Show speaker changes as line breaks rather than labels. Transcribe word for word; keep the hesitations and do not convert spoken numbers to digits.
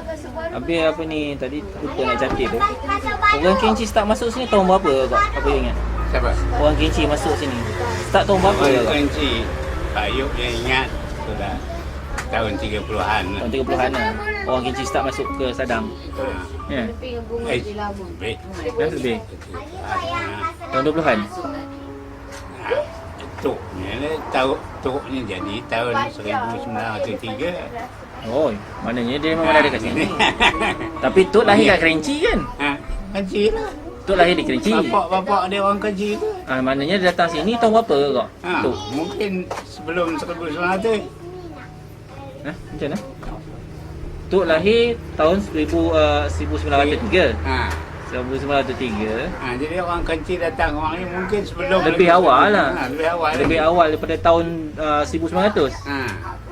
Habis apa ni tadi lupa nak catat tu. Orang Kerinci start masuk sini tahun berapa kak? Apa you ingat?
Siapa?
Orang Kerinci masuk sini. Start tahun berapa
Orang
kak?
Kerinci. Pak Yub yang ingat sudah tahun tiga puluhan.
Tahun tiga puluhan lah. Orang Kerinci start masuk ke Sadang.
Ha.
Ya.
Eh, lebih.
Dah lebih. Tahun dua puluhan.
Tuknya ni, tahun tuknya jadi tahun seribu sembilan ratus tiga.
Oh, maknanya dia memang ada kat sini. Tapi Tok lahir kat Kerinci kan?
Ha, Kerinci lah.
Tok lahir di Kerinci.
Bapak-bapak dia orang Kerinci tu.
Ah, maknanya dia datang sini tahun berapa kak?
Ha,
Tok.
mungkin sebelum seribu sembilan ratus.
Ha, macam mana? Tok lahir tahun seribu, uh, seribu sembilan ratus tiga.
Ha.
seribu sembilan ratus tiga.
Ha, jadi orang Kerinci datang orang ni mungkin sebelum
Lebih awal lah.
Ha, lebih awal.
Lebih
lagi.
awal daripada tahun uh, seribu sembilan ratus.
Ha.